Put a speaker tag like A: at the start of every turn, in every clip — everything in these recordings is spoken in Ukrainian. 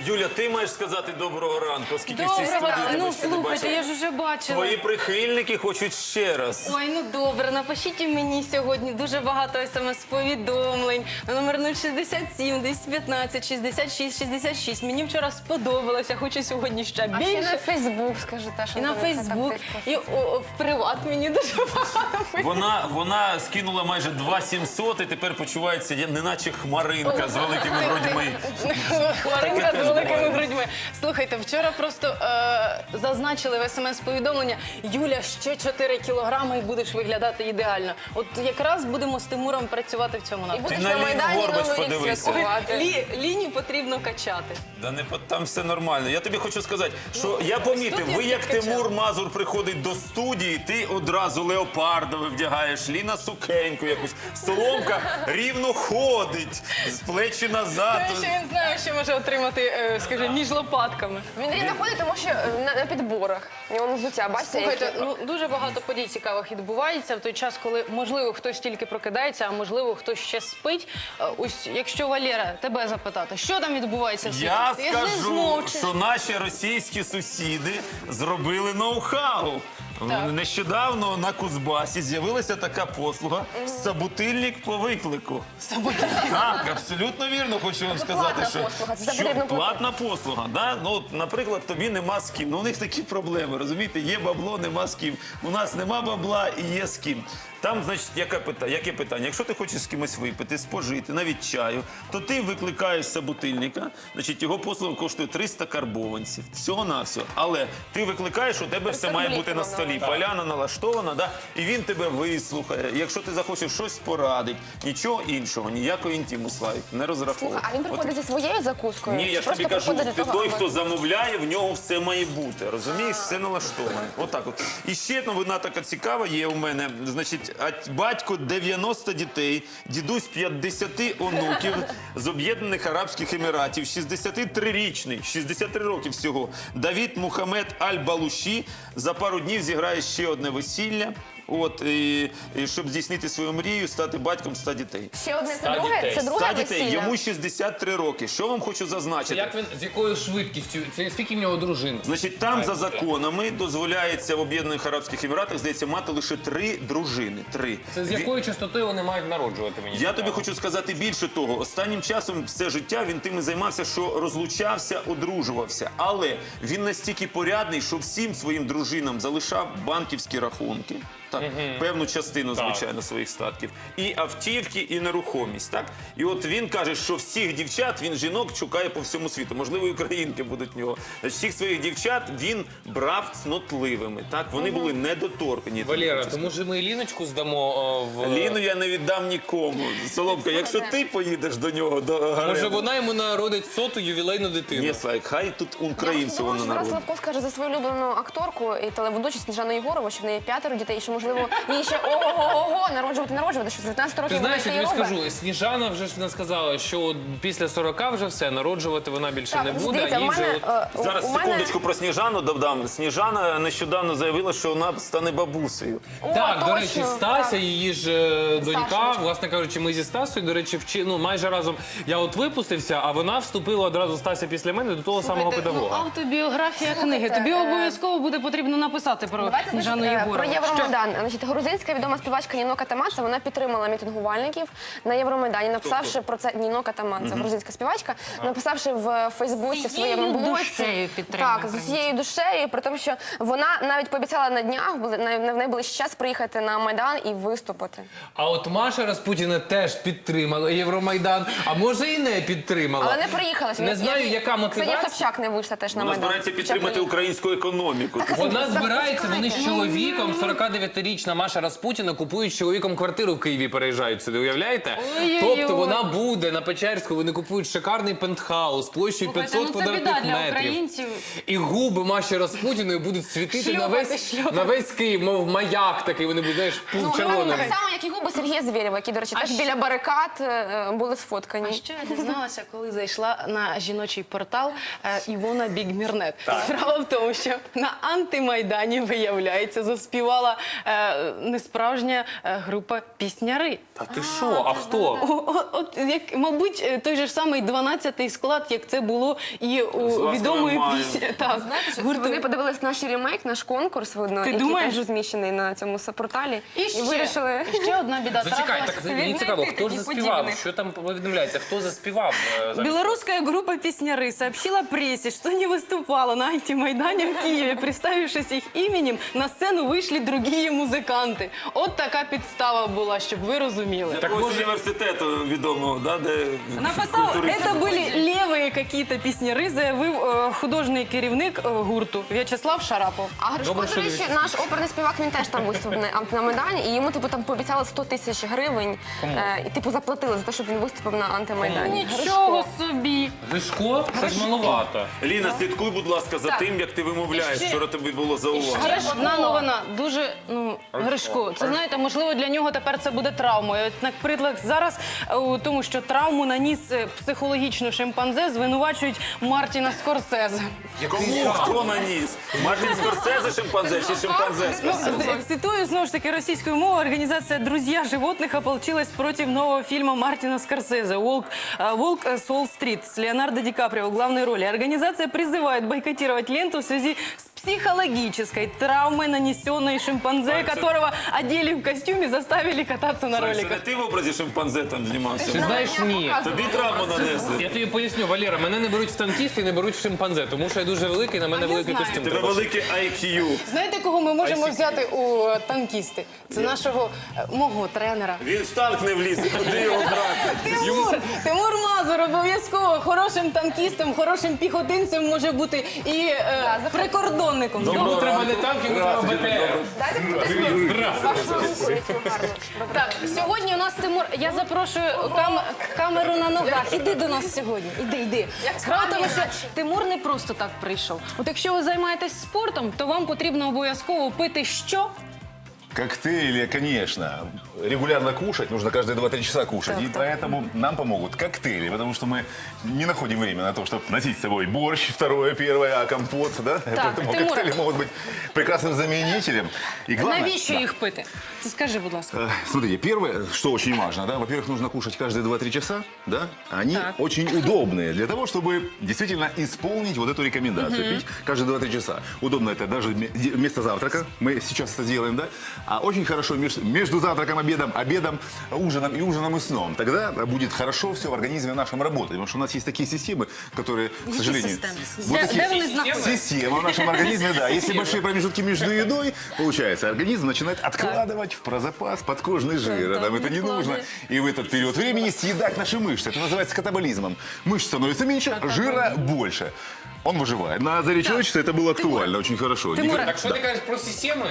A: Юля, ти маєш сказати доброго ранку, оскільки всі
B: Доброго ранку.
A: студії
B: Ну,
A: тебе ще не
B: слухайте,
A: бачили.
B: я ж вже бачила.
A: Твої прихильники хочуть ще раз.
B: Ой, ну добре, напишіть і мені сьогодні дуже багато смс-повідомлень на номер 067 215 66 66. Мені вчора сподобалося, хочу сьогодні ще
C: А ще на
B: більше.
C: Фейсбук, скажи, Таша.
B: І на Фейсбук, і в приват мені дуже багато.
A: Вона скинула майже 2700 і тепер почувається неначе хмаринка з великими грудьми.
B: Хмаринка
A: теж
B: з великими
A: буває.
B: грудьми. Слухайте, вчора просто зазначили в смс-повідомлення: Юля, ще 4 кілограми і будеш виглядати ідеально. От якраз будемо з Тимуром працювати в цьому
C: І
B: напрямку.
C: будеш
A: на
C: на
A: Ліну
C: Майдані
A: Горбач
C: Новий рік
A: подивися.
C: святкувати.
B: Ліні потрібно качати.
A: Да не там все нормально. Я тобі хочу сказати, що я помітив,
B: студія
A: ви як
B: підкачала.
A: Тимур Мазур приходить до студії, ти одразу леопардове вдягаєш, Ліна сукеньку якусь, Соломка рівно ходить, з плечі назад.
B: Тому що він знає, що може отримати, скажімо, між лопатками.
C: Він рівно ходить, тому що на підборах. У нього взуття, бачите?
B: Слухайте,
C: які?
B: ну дуже багато подій цікавих відбувається в той час, коли можливо хтось тільки прокидається, а можливо хтось ще спить. Ось якщо Валера тебе запитати, що там відбувається в світі?
A: Я
B: Ти ж не
A: скажу,
B: змовчиш.
A: що наші російські сусіди зробили ноу-хау.
B: Так.
A: Нещодавно на Кузбасі з'явилася така послуга «Собутильник по виклику». Так, абсолютно вірно хочу вам сказати,
C: платна
A: що,
C: послуга, це за потрібно платити.
A: платна послуга. Да? Ну, от, наприклад, тобі нема з ким. Ну, у них такі проблеми, розумієте? Є бабло, нема з ким. У нас нема бабла і є з ким. Там, значить, яке питання? Якщо ти хочеш з кимось випити, спожити, навіть чаю, то ти викликаєш собутильника, значить, його послуга коштує 300 карбованців. Всього-навсього. Але ти викликаєш, у тебе все має бути на столі. Поляна налаштована, да? І він тебе вислухає. Якщо ти захочеш щось порадить, нічого іншого, ніякої інтиму, Славік, не розраховуй.
C: А він приходить зі своєю закускою?
A: Ні,
C: Чи
A: я ж тобі
C: просто
A: кажу,
C: приходить для того,
A: той,
C: аби-
A: хто замовляє, в нього все має бути. Розумієш, все налаштоване. Отак от. І ще новина така цікава є у мене. Значить, батько 90 дітей, дідусь 50 онуків з Об'єднаних Арабських Еміратів, 63-річний, 63 роки всього, Давід Мухаммед Аль-Балуші за пару днів зіграє ще одне весілля. От, і щоб здійснити свою мрію, стати батьком 100 дітей.
C: Ще одне, це
D: 100
C: друге,
D: дітей.
C: це
A: 100
C: друге
A: дітей,
C: весілля.
A: йому 63 роки. Що вам хочу зазначити?
D: Як він, з якою швидкістю? Це скільки в нього дружин?
A: Значить, там за законами дозволяється в Об'єднаних Арабських Еміратах, здається, мати лише 3 дружини. 3.
D: Це з якою частотою вони мають народжувати, мені
A: Я
D: цікаво?
A: тобі хочу сказати більше того. Останнім часом все життя він тим і займався, що розлучався, одружувався. Але він настільки порядний, що всім своїм дружинам залишав банківські рахунки. Так, певну частину, звичайно, своїх статків. І автівки, і нерухомість. Так? І от він каже, що всіх дівчат, він жінок шукає по всьому світу. Можливо, і українки будуть в нього. Значить, всіх своїх дівчат він брав цнотливими. Так? Вони були недоторкані.
D: Валера, то може ми Ліночку здамо в...
A: Ліну я не віддам нікому. Соломка, якщо ти поїдеш до нього, до
D: Може
A: Гарема.
D: вона йому народить 100-ту ювілейну дитину?
A: Ні, Слайк, хай тут
C: Я
A: українцю
C: думала,
A: воно
C: що Тарас
A: народить.
C: Левко скаже за свою улюблену акторку і телеведучу Сніжану Єгорову, що в неї 5 дітей, і що, можливо, їй ще ого-го-го народжувати, що з 19 років
D: Ти
C: вона
D: знаєш,
C: це
D: я
C: і
D: тобі
C: робить.
D: скажу, Сніжана вже ж не сказала, що от після 40 вже все, народжувати вона більше
C: Так,
D: не буде,
C: дивіться,
D: а їй
C: у
D: вже
C: мене,
D: от...
A: Зараз
C: у мене-
A: секундочку про Сніжану додам. Сніжана нещодавно заявила, що вона стане бабусею.
C: О,
D: Так, до
C: точно,
D: речі, Стася,
C: так.
D: її ж донька,
C: Сашечка.
D: власне кажучи, ми зі Стасою, до речі, майже разом я от випустився, а вона вступила одразу, Стася, після мене до того самого
B: Слухайте,
D: педагога.
B: Ну, автобіографія книги. Тобі обов'язково буде потрібно написати про
C: Давайте
B: Сніжану
C: значить,
B: Єгорову.
C: про Євромайдан. Значить, грузинська відома співачка Ніно Катамадзе, вона підтримала мітингувальників на Євромайдані, написавши про це Ніно Катамадзе, грузинська співачка, написавши в Фейсбуці в своєму
B: Всією
C: блоці.
B: душею підтримує
C: Так, з усією душею, при тому, що вона навіть пообіцяла на днях, в найближчий час приїхати на Майдан і виступити.
D: А от Маша Распутіна теж підтримала Євромайдан, а може і не підтримала.
C: Але не приїхала.
D: Не знаю, яка мотивація.
C: Ксенія Собчак не вийшла теж на
A: Вона
C: Майдан.
A: збирається підтримати українську економіку.
D: Вона збирається, вони з
C: Запускайте.
D: чоловіком, 49-річна Маша Распутіна, купують з чоловіком квартиру в Києві, переїжджають сюди, уявляєте?
B: Ой-ой-ой.
D: Тобто вона буде на Печерську, вони купують шикарний пентхаус площею 500
B: ну це біда
D: квадратних
B: для
D: метрів.
B: українців.
D: І губи Маші Распутіної будуть світити
B: Шльопати.
D: на весь Київ, мов маяк такий, вони будуть, знаєш, червоним.
C: Так само, як і губи Сергія Звєрєва, які, до речі, теж біля барикад були сфоткані.
B: А що я дізналася, коли зайшла на жіночий портал Івона Бігмірнет? Справа в тому, що на антимайдані, виявляється, заспівала несправжня група пісняри.
D: Та ти що? А хто?
B: От, як, мабуть, той же ж самий 12-й склад, як це було і у
A: ласкавим
B: відомої
A: маєм.
B: пісні. Так,
C: Знаєте, що
B: гурту.
C: вони подивились наш ремейк, наш конкурс, видно,
B: Ти
C: який
B: думаєш?
C: теж розміщений на цьому порталі.
B: І
C: вирішили.
B: ще одна біда
D: Зачекай,
B: трапилась.
D: так мені цікаво, хто ж заспівав? Що там повідомляється? Хто заспівав?
B: Белорусская группа «Песняры» сообщила прессе, что не выступала на антимайдане в Киеве. Представившись их именем, на сцену вышли другие музыканты. От така підстава була, щоб ви розуміли.
A: Такого університету відомого, да, де
B: Написав,
A: культуристи
B: це були
A: ходять.
B: ліві какие-то піснярі, заявив художній керівник гурту В'ячеслав Шарапов.
C: А Гришко,
D: Добре,
C: до
D: що
C: речі, наш оперний співак, він теж там виступив на Майдані, і йому типу там пообіцяли 100 тисяч гривень. І типу заплатили за те, щоб він виступив на антимайдані.
B: Нічого собі.
D: Гришко? Це ж маловато.
A: Ліна, слідкуй, будь ласка, за тим, як ти вимовляєш,
B: Ще-
A: що тобі було зауважено.
B: Одна новина, дуже, Гришко, це, знаєте, можливо, для нього тепер це буде травмою. От, наприклад, зараз у тому, що травму наніс психологічно шимпанзе, звинувачують Мартіна Скорсезе.
A: Кому хто наніс? Мартін Скорсезе шимпанзе чи шимпанзе Скорсезе?
B: Цитую, знову ж таки, російською мовою, організація «Друзья животных» ополчилась против нового фильма Мартина Скорсезе «Волк с Уолл-стрит» с Леонардо Ди Каприо в главной роли. Организация призывает бойкотировать ленту в связи с психологической травмой, нанесенной шимпанзе, которого одели в костюм и заставили кататься на
A: Це не
B: роликах.
A: ти в образі шимпанзе там
D: Ти
A: знімався?
D: знаєш, ні.
A: Тобі травму нанесли.
D: Я тобі поясню, Валера, мене не беруть в танкісти і не беруть в шимпанзе, тому що я дуже великий, на мене
B: А я
D: великий
B: знаю.
D: костюм.
A: Тебе
D: треба.
A: великий IQ.
B: Знаєте, кого ми можемо взяти у танкісти? Це нашого, мого тренера.
A: Він в танк не влізе, куди його брати?
B: Тимур Мазур обов'язково хорошим танкістом, хорошим піхотинцем може бути і прикордонником.
D: Йому треба не танк, йому треба БТР.
C: Дайте потиснути вашу руку цю гарну.
B: Так, сьогодні у нас Тимур, я запрошую камеру на ногах. Іди до нас сьогодні. Іди. Справа в тому, що Тимур не просто так прийшов. От якщо ви займаєтесь спортом, то вам потрібно обов'язково пити що?
E: Коктейли, конечно. Регулярно кушать, нужно каждые 2-3 часа кушать. И поэтому нам помогут коктейли, потому что мы не находим время на то, чтобы носить с собой борщ, второе, первое, а компот, да? Поэтому
B: Тимур.
E: коктейли могут быть прекрасным заменителем. И главное,
B: Навіщо
E: да.
B: їх пити? Ти скажи, будь ласка.
E: Смотрите, первое, что очень важно, да, во-первых, нужно кушать каждые 2-3 часа, да, они
B: Так.
E: очень удобные для того, чтобы действительно исполнить вот эту рекомендацию, пить каждые 2-3 часа. Удобно это даже вместо завтрака, мы сейчас это сделаем, да, а очень хорошо между завтраком, обедом, ужином и сном. Тогда будет хорошо все в организме нашем работать, потому что у нас есть такие системы, которые, к сожалению, вот
B: Де
E: такие
B: вони знаходяться?
E: системы в нашем организме, да, если большие промежутки между едой, получается, организм начинает откладывать в прозапас подкожный жир, нам это не нужно. И в этот период времени съедать наши мышцы. Это называется катаболизмом. Мышц становится меньше, жира больше. Он выживает. На заре человечества это было актуально, очень хорошо.
B: Тимур,
D: Так що ти кажеш про системи?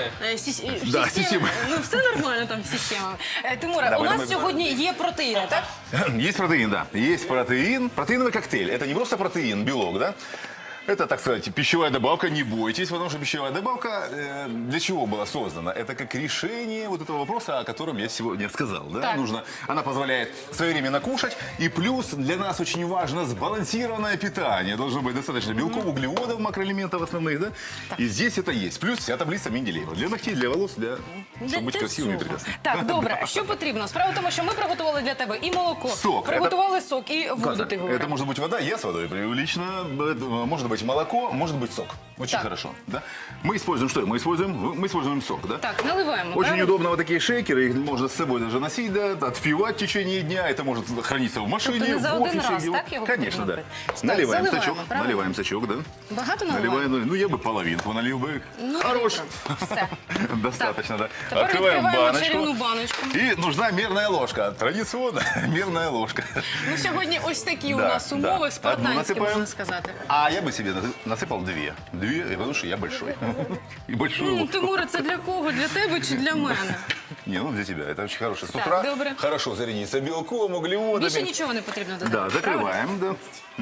E: Да, система.
B: Ну все нормально там з системами. Тимура,
E: Да,
B: у нас
E: ми-
B: сьогодні є протеїни, так?
E: Есть протеин, да. Есть протеин. Протеиновый коктейль. Это не просто протеин, белок, да? Это, так сказать, пищевая добавка, не бойтесь, потому что пищевая добавка для чего была создана? Это как решение вот этого вопроса, о котором я сегодня сказал. Да?
B: Так.
E: Она позволяет своевременно кушать, и плюс для нас очень важно сбалансированное питание. Должно быть достаточно белков, углеводов, макроэлементов основных, да? И здесь это есть. Плюс вся таблица Менделеева. Для ногтей, для волос, чтобы быть красивыми и прекрасными.
B: Так, добре. Що потрібно? Справа в тому, що ми приготували для тебе і молоко,
E: Сок.
B: приготували сок і воду, ти
E: Это
B: говориш.
E: может быть вода, я с водой пью лично. Это может быть молоко, может быть сок. Очень
B: Так.
E: хорошо. Да? Мы используем что? Мы используем сок. Да?
B: Так, наливаємо.
E: Очень
B: правильно?
E: удобно вот такие шейкеры, их можно с собой даже носить, да, отпивать в течение дня, это может храниться в машине,
B: Тобто не за
E: в
B: один
E: офисе.
B: раз,
E: где-
B: так, его
E: Конечно, да.
B: потрібно пити? Так,
E: Наливаем
B: заливаємо,
E: сачок,
B: правильно?
E: наливаем сачок, да.
B: Багато наливаємо?
E: Наливаем, ну я бы половинку налил бы. Хорош.
B: Все.
E: Достаточно, да.
B: Тепер
E: Открываем
B: відкриваємо чарівну баночку.
E: И нужна мерная ложка. Традиционно мерная ложка.
B: Ну, сьогодні ось такі у
E: Да,
B: нас
E: да.
B: умови
E: Одну
B: спартанські,
E: насипаємо.
B: можна сказати.
E: А я бы себе насыпал две. Две, потому что я большой. И большую
B: Ну,
E: ложку.
B: Тимура, це для кого? Для тебе чи для мене?
E: Не, ну для тебя. Это очень хорошо. С
B: Так,
E: утра
B: добре.
E: хорошо зарядиться белком, углеводами.
B: Більше нічого не потрібно додати.
E: Да, закрываем, да.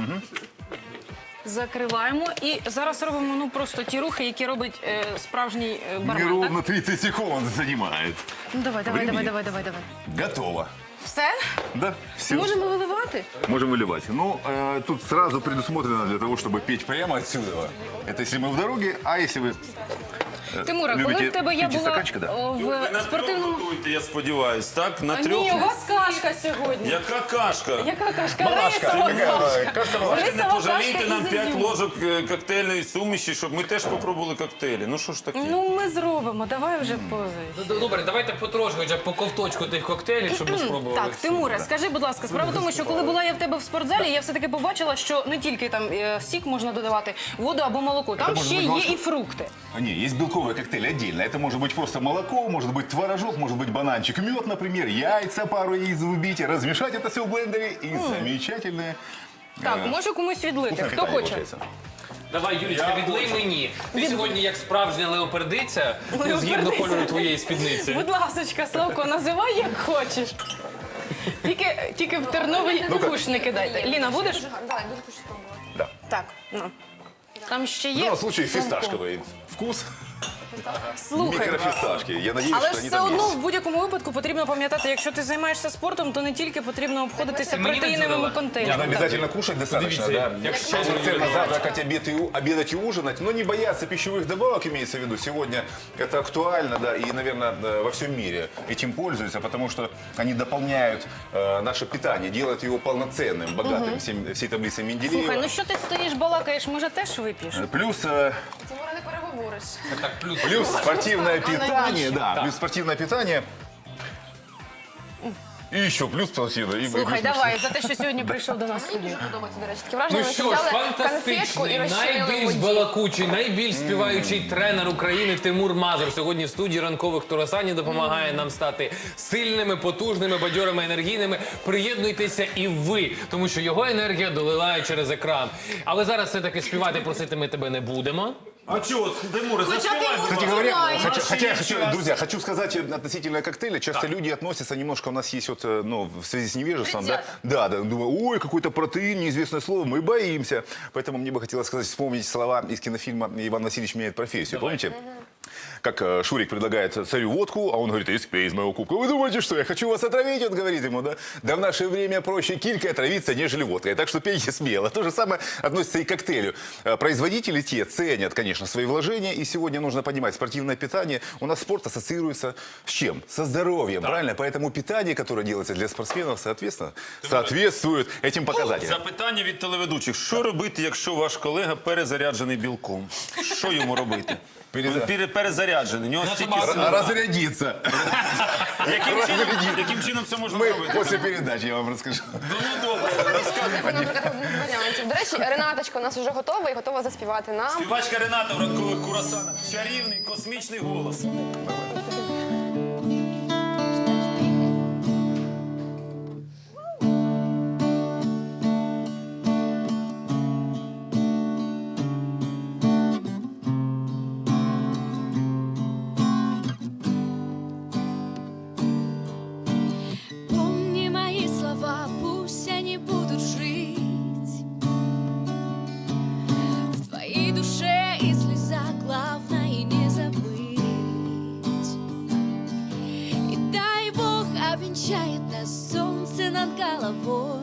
B: Закриваємо і зараз робимо ну просто ті рухи, які робить справжній бармен. Так?
E: Неровно 30 секунд занимает.
B: Ну давай.
E: Времени. Готово.
B: Все?
E: Да, все.
B: Можемо виливати?
E: Можем выливать. Ну, тут сразу предусмотрено для того, чтобы петь прямо отсюда. Это если мы в дороге, а если вы
B: Тимура, коли
E: Любите
B: в тебе я
E: пить из
B: була
E: стаканчика, да?
B: о,
A: Ви
B: в
A: на трьох
B: спортивному...
A: готуєте, я сподіваюсь, так? На трьох?
B: Ні, у вас кашка сьогодні.
A: Яка кашка?
B: Яка кашка?
E: Малашка.
B: Рисова
E: Какая
B: кашка.
E: малашка?
A: Не
B: Рисова
A: пожалійте
B: кашка
A: нам
B: із
A: 5
B: ізюму.
A: ложок коктейльної суміші, щоб ми теж попробували коктейлі. Ну що ж таке?
B: Ну, ми зробимо, давай вже позуй.
D: Ну, добре, давайте потрошку, хоча б по ковточку тих коктейлів, щоб ми спробували.
B: Так, Тимуре, скажи, будь ласка, справа в тому, що коли була я в тебе в спортзалі, я все-таки побачила, що не тільки там сік можна додавати, воду або молоко, там
E: може
B: ще
E: бути
B: є
E: молоко?
B: і фрукти.
E: Не, есть белковый коктейль отдельно. Это может быть просто молоко, может быть творожок, может быть бананчик, мед, например, яйца, пару яиц выбить, размешать это все в блендере и замечательное.
B: Так, може комусь відлити,
E: вкусное
B: хто
E: питание
B: хоче.
E: получается.
D: Давай, Юлічка, відлий мені. Ти сьогодні як справжня леопердиця, ну, згідно кольору твоєї спідниці.
B: Будь ласочка, Славко, називай як хочеш. Тільки в терновий куш не кидайте. Ліна, будеш?
C: Давай, буду хочу спробувати.
E: Да.
B: Так, ну. Там ще
E: В
B: є.
E: данном случае
B: Славко.
E: фисташковый вкус.
B: Слухай.
E: Микрофисташки. Я надеюсь,
B: Але
E: что
B: ж
E: они
B: все
E: там
B: одно
E: есть.
B: в будь-якому випадку потрібно пам'ятати, якщо ти займаєшся спортом, то не тільки потрібно обходитися
D: Мені не
B: протеїновими
D: дзюрила.
E: Надо
B: контейнерами.
E: обязательно кушать достаточно,
D: Подивіться,
E: да.
D: як щедро
E: Полноценно
D: Юлія.
E: завтракать, обедать и ужинать, но не бояться пищевых добавок, имеется в виду. Сегодня это актуально, да, и, наверное, во всем мире этим пользуются, потому что они дополняют наше питание, делают его полноценным, богатым всей таблицей Менделеева.
B: Слухай, ну що ти стоїш, балакаєш, може теж вип'єш?
E: Плюс
C: Тимура, не переговориш.
D: Так, плюс.
E: Плюс спортивное
C: вкусно,
E: питание, да,
D: Так.
E: плюс спортивное питание. И еще плюс спортивное. и
B: Слухай,
E: плюс
B: давай, за те, що сьогодні прийшов до нас в
C: Мені
B: студію.
C: дуже подобається, до речі. Таке враження,
D: Ну
C: що
D: що ж,
C: взяли конфетку
D: фантастичний,
C: і розчинили в
D: найбільш
C: воді.
D: балакучий, найбільш співаючий тренер України Тимур Мазур сьогодні в студії ранкових Турасані допомагає нам стати сильними, потужними, бадьорими, енергійними. Приєднуйтеся і ви, тому що його енергія долилає через екран. Але зараз все-таки співати просити ми тебе не будемо.
A: А чого, Тимуре, заспівай, будь
E: Кстати
A: ласка.
E: говоря,
C: Давай.
E: друзья, хочу сказать относительно коктейля. Часто люди относятся немножко, у нас есть вот, ну, в связи с невежеством, да, да, думаю, ой, какой-то протеин, неизвестное слово, мы боимся. Поэтому мне бы хотелось сказать, вспомнить слова из кинофильма «Иван Васильевич меняет профессию». Помните? Как Шурик предлагает царю водку, а он говорит, испей из моего кубка. Вы думаете, что я хочу вас отравить? Он говорит ему, да? Да в наше время проще килькой отравиться, нежели водкой. Так что пейте смело. То же самое относится и к коктейлю. Производители те ценят, конечно, свои вложения. И сегодня нужно понимать, спортивное питание, у нас спорт ассоциируется с чем? Со здоровьем, правильно? Поэтому питание, которое делается для спортсменов, соответственно, соответствует этим показателям.
A: Запитання від телеведучих. Що робити, якщо ваш колега перезаряджений білком? Що йому робити? Перезаряджений. У нього стільки сил.
E: Разрядиться.
A: Яким чином це можна
E: Мы
A: зробити?
E: после передачи я вам расскажу.
A: Ну, добре, розказуй.
C: Наприклад, варіантів. До речі, Ренаточка у нас вже готова і готова заспівати нам.
A: Співачка Рената в ранкових курасанах. Чарівний, космічний голос.
F: Помни мои слова, пусть они будут жить в твоей душе и слезах, главное не забыть. И дай Бог обвенчает нас солнце над головой.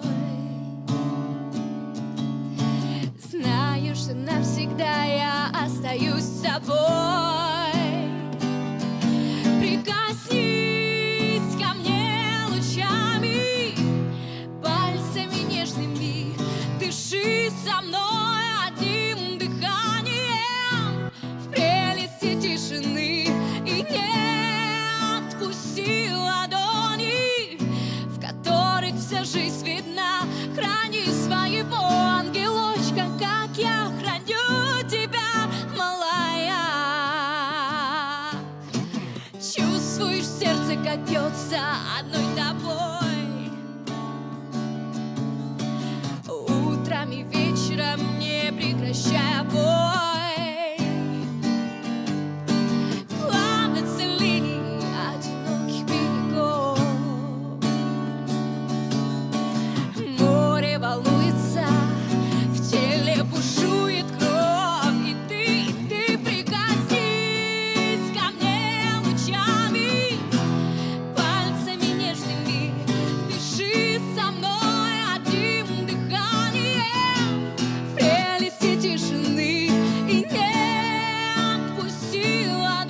F: Знаю, что навсегда я остаюсь с тобой. Прикоснись ко мне лучами, пальцами нежными, дыши со мной одним дыханием в прелести тишины и не отпусти ладони, в которых вся жизнь видна. Храни своего ангелочка, как я храню тебя, малая. Чувствуешь в сердце, как бьется одной тобой. Утром и вечером, не прекращая бой. Плавно целей одиноких берегов. Море волнуется, в теле бушует кровь. И ты прикоснись ко мне лучами, пальцами нежными, дыши со мной одним дыханием в прелести тишины и не отпусти ладони,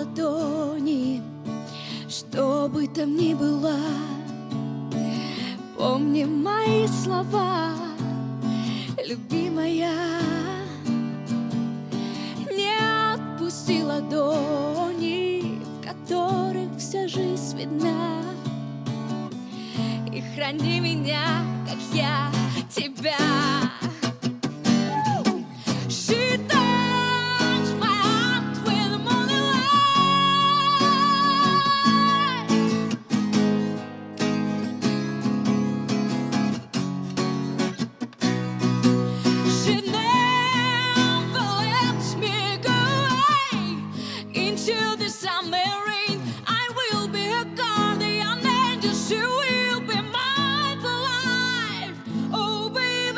F: ладони. Что бы там ни было, помни мои слова, любимая. Не отпусти ладони, в которых вся жизнь видна. И храни меня, как я тебя. She touched my heart with the morning light. She never lets me go away into the summer rain. I will be her guardian angel. She will be mine for life. Oh, baby.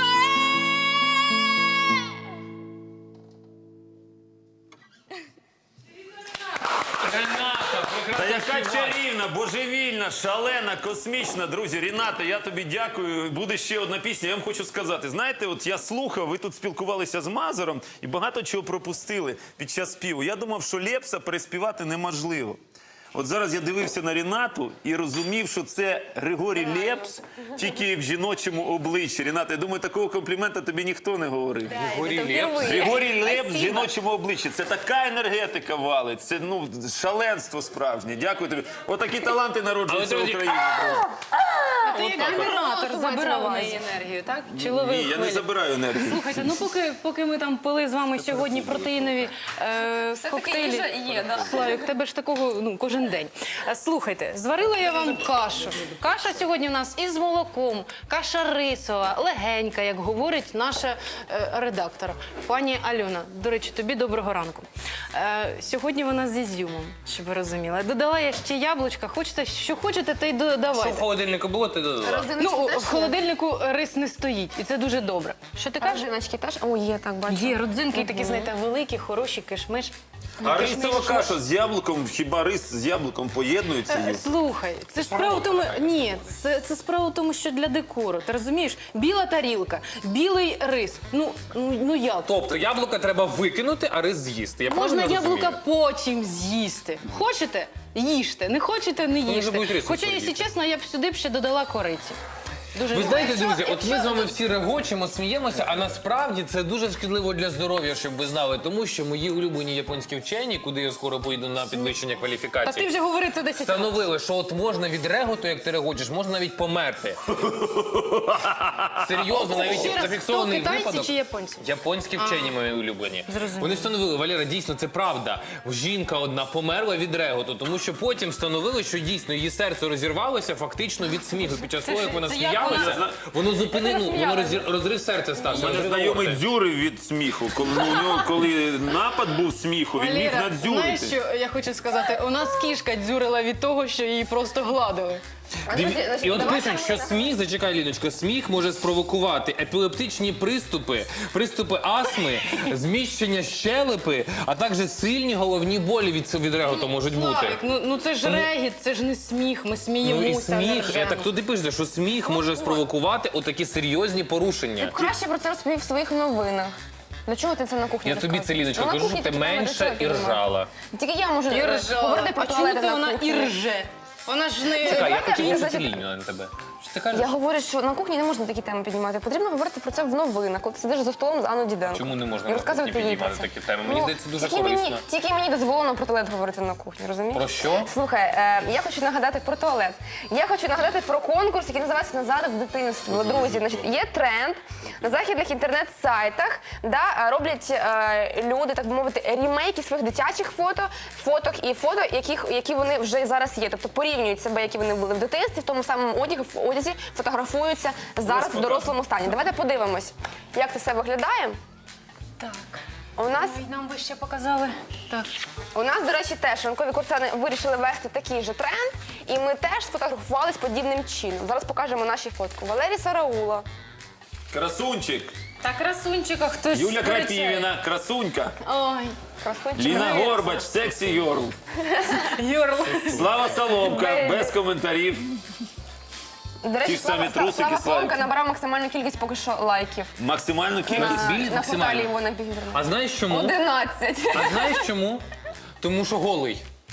D: Рената,
A: Та
D: прекрасна
A: яка чарівна, божевільна, шалена, космічна. Друзі, Ріната, я тобі дякую. Буде ще одна пісня. Я вам хочу сказати, знаєте, от я слухав, ви тут спілкувалися з Мазуром і багато чого пропустили під час співу. Я думав, що Лепса переспівати неможливо. От зараз я дивився на Рінату і розумів, що це Григорій Лепс, тільки в жіночому обличчі. Ріната, я думаю, такого комплімента тобі ніхто не говорив.
D: Григорій Лепс.
A: Григорій Лепс в жіночому обличчі. Це така енергетика валить. Це шаленство справжнє. Дякую тобі. Отакі таланти народжуються в
D: Але, друзі,
A: Україні.
B: Ти як генератор забирав у неї енергію, так? Чи ловив
A: Ні, я не
B: хвилі?
A: забираю енергію.
B: Слухайте, ну поки ми там пили з вами сьогодні протеїнові коктейлі.
C: їжа є, да.
B: Славік, тебе ж такого кожен день. Слухайте, зварила я вам кашу. Каша сьогодні у нас із молоком, каша рисова, легенька, як говорить наша редактор, пані Альона. До речі, тобі доброго ранку. Сьогодні вона з ізюмом, щоб ви розуміли. Додала я ще яблучка. Хочете, що хочете, те й
D: Що
B: додавайте.
D: в холодильнику було, ти додала?
B: Ну, в холодильнику рис не стоїть, і це дуже добре. Що ти кажеш?
C: Жіночки теж? О, є, так, бачу.
B: Є родзинки такі, знаєте, великі, хороші, кишмиш.
A: А рисова каша з яблуком, хіба рис з яблуком поєднується? Юр?
B: Слухай, це ж справа в тому, ні, це справа в тому, що для декору, ти розумієш? Біла тарілка, білий рис, ну як?
D: Тобто яблука треба викинути, а рис з'їсти. Я
B: Можна
D: правильно
B: яблука
D: розумію?
B: потім з'їсти. Хочете? Їжте, не хочете, не
D: Може, будуть
B: їжте.
D: рисом
B: Хоча,
D: поїсти.
B: якщо чесно, я б сюди ще додала кориці. Дуже
D: Ви
B: люблю.
D: знаєте, друзі, от ми з вами всі регочемо, сміємося, а насправді це дуже шкідливо для здоров'я, щоб ви знали, тому що мої улюблені японські вчені, куди я скоро поїду на підвищення
B: Та ти
D: кваліфікації,
B: вже говорив це 10 разів.
D: встановили, що от можна від реготу, як ти регочеш, можна навіть померти. Серйозно, навіть
B: Ще раз,
D: зафіксований
B: хто, китайці
D: випадок.
B: чи японці?
D: Японські вчені мої улюблені.
B: Зрозуміло.
D: Вони встановили, Валера, дійсно, це правда. Жінка одна померла від реготу, тому що потім встановили, що дійсно її серце розірвалося фактично від сміху. Під час того, як вона
B: це як
D: сміялася, воно зупинило, воно розрив серця стався.
A: У мене
D: розрив
A: знайомий
D: аорти.
A: дзюрив від сміху. Коли, у нього, коли напад був сміху, він міг
B: Валера, знаєш,
A: надзюрити.
B: що я хочу сказати? У нас кішка дзюрила від того, що її просто гладили.
D: І от пишуть, що сміх, зачекай, Ліночко, сміх може спровокувати епілептичні приступи астми, зміщення щелепи, а також сильні головні болі від реготу можуть бути.
B: Славік, ну це ж регіт, це ж не сміх, ми
D: Ну і
B: сміємося. не
D: сміх,
B: ржемо.
D: так туди пише, що сміх може спровокувати отакі серйозні порушення.
C: Краще про це розповів в своїх новинах. Для чого ти це на кухні
D: Я тобі це,
C: розказуєш?
D: Ліночко,
C: Ну, на
D: кажу,
C: кухні
D: щоб ти
C: такі теми,
D: менше
C: до
D: і
C: чого ти
D: ржала.
C: Тільки я можу
B: І ржала.
C: говорити про
B: А чому
C: туалети
B: це
C: на
B: вона
C: кухні.
B: і рже? Вона ж не...
D: Чекай, я
C: Давайте
D: хотів
C: мені
D: іншу
C: зачек-
D: лінію на тебе. Що ти кажеш?
C: Я говорю, що на кухні не можна такі теми піднімати. Потрібно говорити про це в новинах, коли ти сидиш за столом з Анною Діденко.
D: Чому не можна
C: І
D: на
C: розказувати
D: кухні
C: їй про
D: піднімати
C: це.
D: такі теми? Мені здається, дуже
C: тільки
D: корисно.
C: Тільки мені дозволено про туалет говорити на кухні, розумієш?
D: Про що?
C: Слухай, я хочу нагадати про туалет. Я хочу нагадати про конкурс, який називається «Назад в дитинство». Друзі, значить, є тренд на західних інтернет-сайтах, роблять люди, так би мовити, ремейки своїх дитячих фоток і фото, які вони вже зараз є. Тобто порівнюють себе, які вони були в дитинстві, в тому самому одязі, фотографуються зараз в дорослому стані. Давайте подивимось, як це все виглядає.
B: Так,
C: У нас
B: нам би ще показали. Так.
C: У нас, до речі, теж ранкові курсани вирішили вести такий же тренд, і ми теж сфотографувались подібним чином. Зараз покажемо наші фотку. Валерій Сараула.
A: Красунчик.
B: Та красунчика хтось
A: Юля
B: сперечає.
A: Крапівіна, красунька.
B: Ой,
C: Красунчик.
A: Ліна Горбач, сексі Йорл.
B: Йорл.
A: Слава Соломка, без коментарів.
C: До речі,
A: Ті ж самі
C: Слава
A: трусики,
C: Соломка
A: Славік.
C: набрав максимальну кількість поки що лайків
A: Максимальну кількість.
D: Біль
C: на порталі
D: максимально.
C: його на Бігінтернет.
D: А знаєш чому?
C: 11.
D: А знаєш чому? Тому що голий.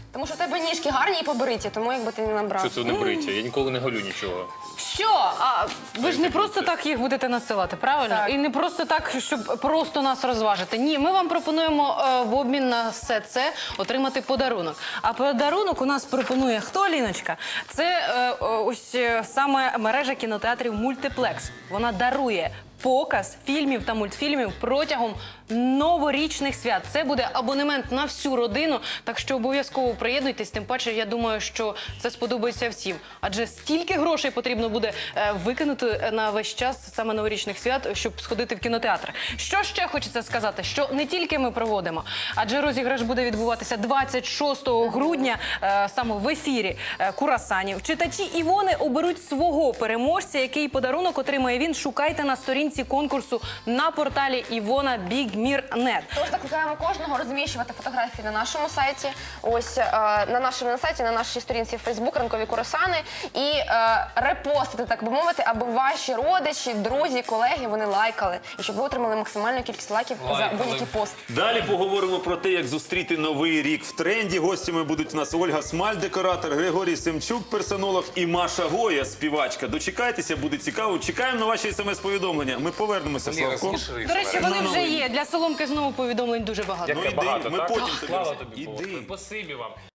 C: Тому що в тебе ніжки гарні і побриті, тому якби ти не набрав.
D: Що це не бриття? Я ніколи не голю нічого.
B: Що? А ви ж не просто так їх будете надсилати, правильно?
C: Так.
B: І не просто так, щоб просто нас розважити. Ні, ми вам пропонуємо в обмін на все це отримати подарунок. А подарунок у нас пропонує хто, Ліночка? Це ось саме мережа кінотеатрів «Мультиплекс». Вона дарує показ фільмів та мультфільмів протягом новорічних свят. Це буде абонемент на всю родину, так що обов'язково приєднуйтесь. Тим паче, я думаю, що це сподобається всім. Адже стільки грошей потрібно буде викинути на весь час саме новорічних свят, щоб сходити в кінотеатр. Що ще хочеться сказати? Що не тільки ми проводимо, адже розіграш буде відбуватися 26 грудня саме в ефірі «Курасанів». Читачі Івони оберуть свого переможця, який подарунок отримає він. Шукайте на сторінці конкурсу на порталі Івона Бігмір.нет.
C: Тож закликаємо кожного розміщувати фотографії на нашому сайті, ось на нашому сайті, на нашій сторінці Facebook «Ранкові курасани» і репостити, так би мовити, аби ваші родичі, друзі, колеги, вони лайкали. І щоб ви отримали максимальну кількість лайків за
D: Лайкали.
C: будь-який пост.
A: Далі поговоримо про те, як зустріти новий рік в тренді. Гостями будуть у нас Ольга Смаль, декоратор, Григорій Семчук, персонолог і Маша Гоя, співачка. Дочекайтеся, буде цікаво. Чекаємо на ваші смс-повідомлення. Ми повернемося,
D: Ліра,
A: Славко.
D: сміши.
B: До речі, вони вже є. Для Соломки знову повідомлень дуже багато.
A: Ну,
D: Яке
A: йди,
D: багато,
A: ми
D: так?
A: потім тобі
D: Слава
A: розкажемо.
D: тобі,
A: Іди.
D: Боже. Спасибі вам.